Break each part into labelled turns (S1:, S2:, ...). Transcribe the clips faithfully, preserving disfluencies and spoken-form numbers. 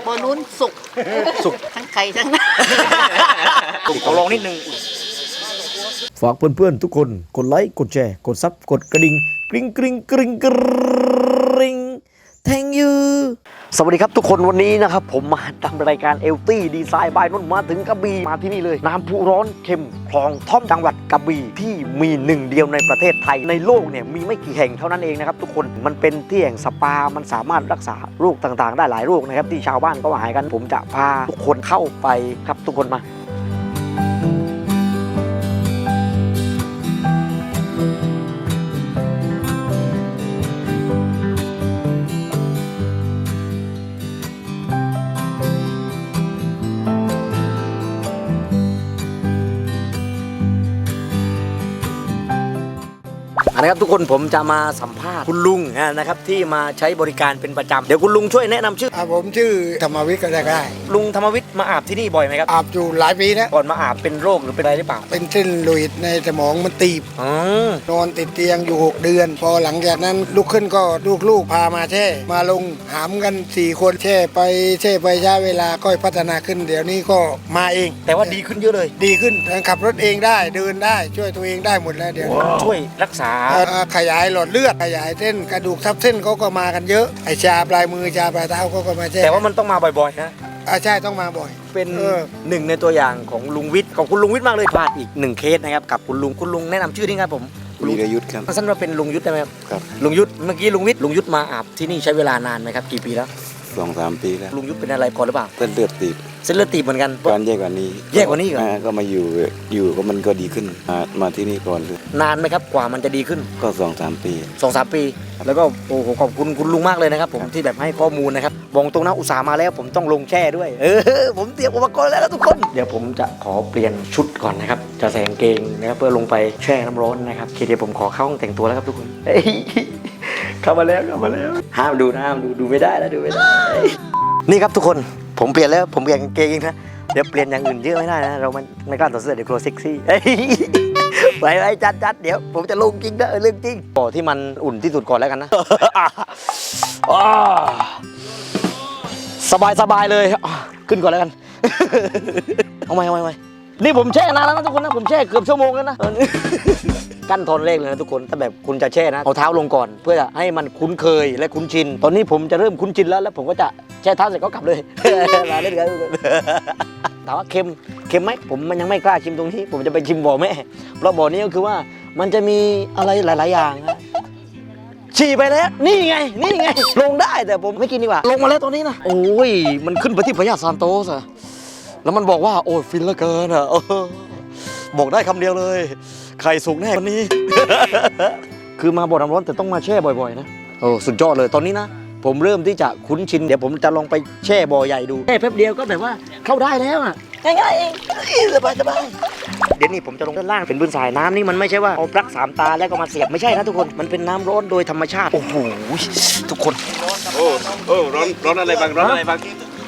S1: บอลุ้นสุกสุกทั้งไข่ทั้งน้ำ
S2: ขอลองนิดนึง
S3: ฝากเพื่อนๆทุกคนกดไลค์กดแชร์กดซับกดกระดิ่งกริ๊งกริ๊งกริ๊งกริ๊ง thank you
S2: สวัสดีครับทุกคนวันนี้นะครับผมมาทำรายการเอลตี้ดีไซน์บายนุ่นมาถึงกระบี่มาที่นี่เลยน้ำพุร้อนเค็มคลองท่อมจังหวัดกระบี่ที่มีหนึ่งเดียวในประเทศไทยในโลกเนี่ยมีไม่กี่แห่งเท่านั้นเองนะครับทุกคนมันเป็นที่แห่งสปามันสามารถรักษาโรคต่างๆได้หลายโรคนะครับที่ชาวบ้านก็หายกันผมจะพาทุกคนเข้าไปครับทุกคนมานะครับทุกคนผมจะมาสัมภาษณ์คุณลุงนะครับที่มาใช้บริการเป็นประจำเดี๋ยวคุณลุงช่วยแนะนำชื่อ
S4: ผมชื่อธรรมวิทย์ก็ได้ได้
S2: ลุงธรรมวิทย์มาอาบที่นี่บ่อยไหมครับ
S4: อาบอยู่หลายปีแล้ว
S2: ก่อนมาอาบเป็นโรคหรือเป็นอะไรหรือเปล่า
S4: เป็นเส้นโลหิตในสมองมันตีบนอนติดเตียงอยู่หกเดือนพอหลังจากนั้นลุกขึ้นก็ลูกๆพามาแช่มาลงหามกันสี่คนแช่ไปแช่ไปช้าเวลาก็พัฒนาขึ้นเดี๋ยวนี้ก็มาเอง
S2: แต่ว่าดีขึ้นเยอะเลย
S4: ดีขึ้นขับรถเองได้เดินได้ช่วยตัวเองได้หมดแล้วเดี๋ยว
S2: ช่วยรักษา
S4: ขยายหลอดเลือดขยายเส้นกระดูกทับเส้นเขาก็มากันเยอะไอชาปลายมือชาปลายเท้าเขาก็มาแช่
S2: แต่ว่ามันต้องมาบ่อยๆนะ
S4: อ่าใช่ต้องมาบ่อย
S2: เป็นหนึ่งในตัวอย่างของลุงวิทย์ของคุณลุงวิทย์มากเลยพลาดอีกหนึ่งเคสนะครับกับคุณลุงคุณลุงแนะนำชื่อนี่ครับผม
S5: วีรยุทธ์ครับ
S2: สั้นว่าเป็นลุงยุทธ์ได้ไหมครับ
S5: ครับ
S2: ลุงยุทธ์เมื่อกี้ลุงวิทย์ลุงยุทธ์มาอาบที่นี่ใช้เวลานานไหมครับกี่ปีแล้ว
S5: สองสามปีแล้ว
S2: ลุงยุทธ์เป็นอะไรก่อนหรือเปล่า
S5: เส้นเลือดตีบ
S2: เส้นเลือดตีบเหมือนกัน
S5: การแย่กว่านี้
S2: แย่กว่านี้เหรอ
S5: ก็มาอยู่อยู่ก็มันก็ดีขึ้นมามาที่นี่ก่อนเลย
S2: นานไหมครับกว่ามันจะดีขึ้น
S5: ก็สองสามปี
S2: สองสามปีแล้วก็โอ้โหขอบคุณคุณลุงมากเลยนะครับผมที่แบบให้ข้อมูลนะครับบอกตรงนะอุตส่าห์มาแล้วผมต้องลงแช่ด้วยเออผมเตรียมอุปกรณ์แล้วทุกคนเดี๋ยวผมจะขอเปลี่ยนชุดก่อนนะครับจะใส่กางเกงนะครับเพื่อลงไปแช่น้ำร้อนนะครับเดี๋ยวผมขอเข้าห้องแต่งตัวแล้วครับทุกคนเข้ามาแล้วเข้ามาแล้วห้ามดูนะห้ามดูดูไม่ได้แล้วดูไม่ได้นี่ครับทุกคนผมเปลี่ยนแล้วผมเปลี่ยนกางเกงเองนะเดี๋ยวเปลี่ยนอย่างอื่นเยอะไม่ได้นะเรามันไม่กล้าต่อเสื้อเดี๋ยวกลัวเซ็กซี่ไปไปจัดจัดเดี๋ยวผมจะลงจริงนะเรื่องจริงบ่อที่มันอุ่นที่สุดก่อนแล้วกันนะสบายสบายเลยขึ้นก่อนแล้วกันเอาไหมเอาไหมเอาไหมนี่ผมแช่นานแล้วนะทุกคนนะผมแช่เกือบชั่วโมงแล้วนะกั้นทนเลขเลยนะทุกคนถ้าแบบคุณจะแช่นะเอาเท้าลงก่อนเพื่อให้มันคุ้นเคยและคุ้นชินตอนนี้ผมจะเริ่มคุ้นชินแล้วแล้วผมก็จะแช่เท้าเสร็จก็กลับเลยมาเล่นกันถามว่าเค็มเค็มไหมผมมันยังไม่กล้าชิมตรงนี้ผมจะไปชิมบ่อแม่เพราะบ่อนี้ก็คือว่ามันจะมีอะไรหลายๆอย่างนะฉี่ไปแล้วนี่ไงนี่ไงลงได้แต่ผมไม่กินดีกว่าลงมาแล้วตอนนี้นะโอ้ยมันขึ้นไปที่พญาซานโตสอะแล้วมันบอกว่าโอ้ยฟินเหลือเกินอะบอกได้คำเดียวเลยไข่สุกแน่วันนี้ คือมาบ่อน้ำร้อนแต่ต้องมาแช่บ่อยๆนะโอ้สุดยอดเลยตอนนี้นะผมเริ่มที่จะคุ้นชินเดี๋ยวผมจะลองไปแช่บ่อใหญ่ดูแค่แป๊บเดียวก็แบบว่าเข้าได้แล้วอ่ะง่ายๆเองสบายสบายเดี๋ยวนี้ผมจะลงด้านล่างเป็นพื้นทรายน้ำนี่มันไม่ใช่ว่าเอาปลั๊กสามตาแล้วก็มาเสียบไม่ใช่นะทุกคนมันเป็นน้ำร้อนโดยธรรมชาติโอ้โหทุกคน
S6: โอ้โอ้ร้อนร้อนอะไรบ้างร้อนอะไรบ้าง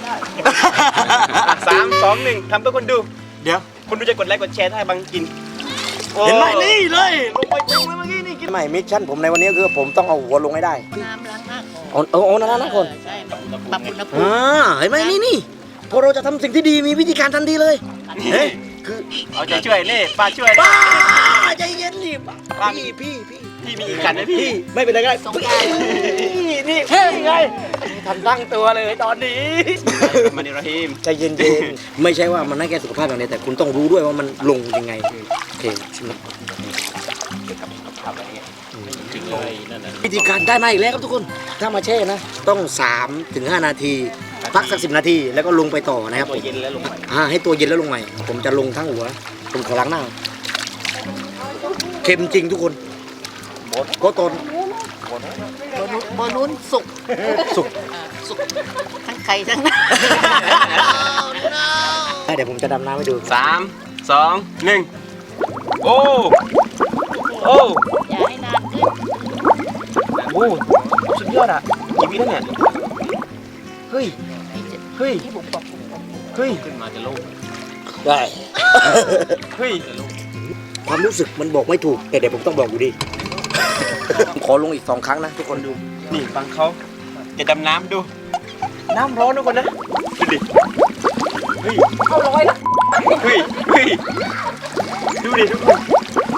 S6: สามสองหนึ่งทำเพื่อคนดูเดี๋ยวคุณดูจะกดไลค์กดแชร์ถ้าบางกิน
S2: เห็นไหมนี่เลยลงไปจริงเลยเมื่อกี้นี่กินไม่มิชชั่นผมในวันนี้คือผมต้องเอาหัวลงให้ได้
S1: น้ำล้างหน้าก่อน
S2: เอาเอาเอาน้ำล้างหน้าก่อน
S1: ใช่ปรับอุณหภูมิ
S2: อ่าเห็นไหมนี่นี่พอเราจะทำสิ่งที่ดีมีวิธีการทันทีเลยเฮ้ยคือ
S6: เอาใจช่วยนี่ป้าช่วย
S2: ป้าใจเย็นดิพี่พี่พี่
S6: พี่มีอีกกันนะพี่
S2: ไม่เป็นไรก็ได้นี่นี่ไงทันตั้งตัวเลยตอนนี้
S6: มานิรหิม
S2: ใจเย็นๆไม่ใช่ว่ามันไม่แค่สุขภาพอย่างเดียวแต่คุณต้องรู้ด้วยว่ามันลงยังไงโอเคชิมวิธีการได้มาอีกแล้วครับทุกคนถ้ามาแช่นะต้องสามถึงห้านาทีพักสักสิบนาทีแล้วก็ลงไปต่อนะครับ
S6: ตัวเย็นแล้วลงใหม่
S2: อ่าให้ตัวเย็นแล้วลงใหม่ผมจะลงทั้งหัวผมขอล้างหน้าเค็มจริงทุกคนโคตร
S1: บอลุ้นสุก
S2: สุก
S1: สุกทั้งไข่ทั้งน้
S2: ำเดี๋ยวผมจะดำน้ำให้ดู
S6: สามสองหนึ่งโอ้โอ้
S1: อย่าให้นานขึ้น
S6: โอ้สุดยอดอ่ะกี่วิแล้วเนี่ย
S2: เฮ้ยเฮ้ยเฮ้ย
S6: ขึ้นมาจะโล่ง
S2: ได้
S6: เฮ้ย
S2: ความรู้สึกมันบอกไม่ถูกแต่เดี๋ยวผมต้องบอกอยู่ดีขอลงอีกสองครั้งนะทุกคนดู
S6: นี่ฟังเขาจะดำน้ำดูน้ำร้อนทุกคนนะดูดิเฮ้ยเอาลอยละเฮ้ยเฮ้ยดูดิทุกคน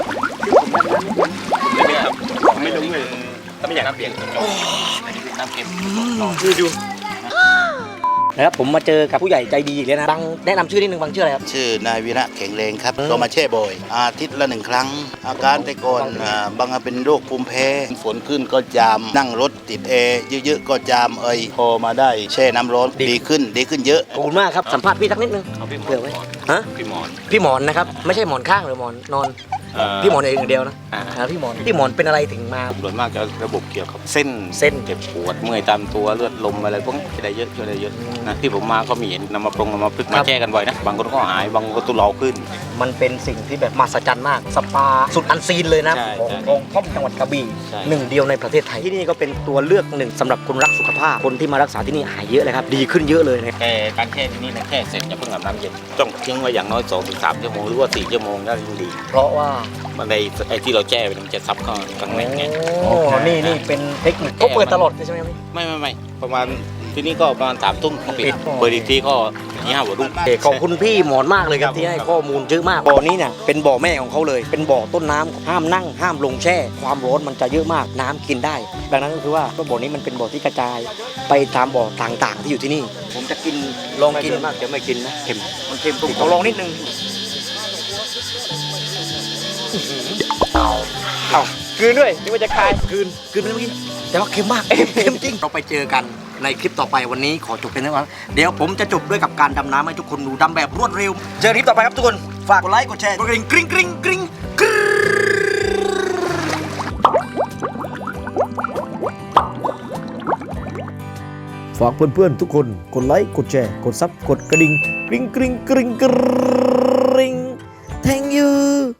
S6: ไม่ได้ครับไม่ลงเลยไม่อยากน้ำเปลี่ยนน้ำเค็มดูดู
S2: นะครับผมมาเจอกับผู้ใหญ่ใจดีอีกแล้วนะบังแนะนำชื่อนิดนึงบังชื่ออะไรครับ
S7: ชื่อนายวีระแข็งแรงครับก็มาแช่บ่อย อาทิตย์ละหนึ่งครั้ง อาการแต่ก่อนอ่าบางเป็นโรคภูมิแพ้ฝนขึ้นก็จาม นั่งรถติดแอร์เยอะๆก็จามเอยพอมาได้แช่น้ำร้อนดีขึ้นดีขึ้นเยอะ
S2: ขอบคุณมากครับสัมภาษณ์พี่สักนิดนึง
S6: เอาพี่หม
S2: เผื่อไว้
S6: อน
S2: ฮะ
S6: พี่หมอน
S2: พี่หมอนนะครับไม่ใช่หมอนข้างหรือหมอนนอน
S6: เอ่อ
S2: พี่หมอนเองอย่างเดียวนะ
S6: อ่า
S2: อ่าพี่หมอนพี่หมอนเป็นอะไรถึงมา
S6: ส่วนมากจะระบบเกี่ยวกับเส้น
S2: เส้น
S6: เจ็บปวดเมื่อยตามตัวเลือดลมอะไรพวกนี้จะได้เยอะช่วยได้เยอะนะที่ผมมาก็มีเห็นนำมาปรุงนำมาพึกมาแก้กันบ่อยนะบางคนก็หายบางคนก็ตุเลาขึ้น
S2: มันเป็นสิ่งที่แบบมหัศจรรย์มากสปาสุดอันซีนเลยนะ
S6: ใช่
S2: ของ
S6: ใช่
S2: ของท่อมจังหวัดกระบี่
S6: ใช่
S2: หนึ่งเดียวในประเทศไทยที่นี่ก็เป็นตัวเลือกหนึ่งสำหรับคนรักสุขภาพคนที่มารักษาที่นี่หายเยอะเลยครับดีขึ้นเยอะเลยนะ
S6: แค่การแช่ที่นี่นะแค่เสร็จอย่าเพิ่งอาบน้ำเย็นต้องทิ้งไว้อย่างน้อยสองถึงสามชั่วโมงหรือว่าสี่ชั่วโมงได้ยิ่งดี
S2: เพราะว่า
S6: มันในไอ้ที่เราแช่ไปมันจะซับเข้าข้างในไง
S2: โอ้นี่นี่เป็นเทคนิคเขาเปิดตลอดเลยใช่ไหมครับพี่
S6: ไม่ไม่ไม่ประมาณที่นี่ก็ประมาณสามทุ่มก็ปิด
S2: ปิด
S6: เปิดอีกทีก็ยี่ห้าหัวรุ่ง
S2: โอเคขอบคุณพี่หมอนมากเลยครับที่ให้ข้อมูลเยอะมากบ่อนี้เนี่ยเป็นบ่อแม่ของเขาเลย เป็นบ่อต้นน้ำห้ามนั่งห้ามลงแช่ ความร้อนมันจะเยอะมากน้ำกินได้ ดังนั้นก็คือว่าบ่อนี้มันเป็นบ่อที่กระจายไปตามบ่อต่างๆ ที่อยู่ที่นี่ ผมจะกินลองกิน
S6: มากจะไม่กินนะเค็ม
S2: มันเค็มผมขอลองนิดนึงเอาคืนด้วยนี่ว่าจะคายคืนคืนไปเมื่อกี้แต่ว่าเค็มมากเค็มจริงเราไปเจอกันในคลิปต่อไปวันนี้ขอจบเป็นเท่านั้นเดี๋ยวผมจะจบด้วยกับการดำน้ำให้ทุกคนดูดำแบบรวดเร็วเจอคลิปต่อไปครับทุกคนฝากกดไลค์กดแชร์กดกระดิ่งกริ๊งกริ๊งกริ๊งกริ๊ง
S3: ฝากเพื่อนๆทุกคนกดไลค์กดแชร์กดซับกดกระดิ่งกริ๊งกริ๊งกริ๊งกริ๊ง thank you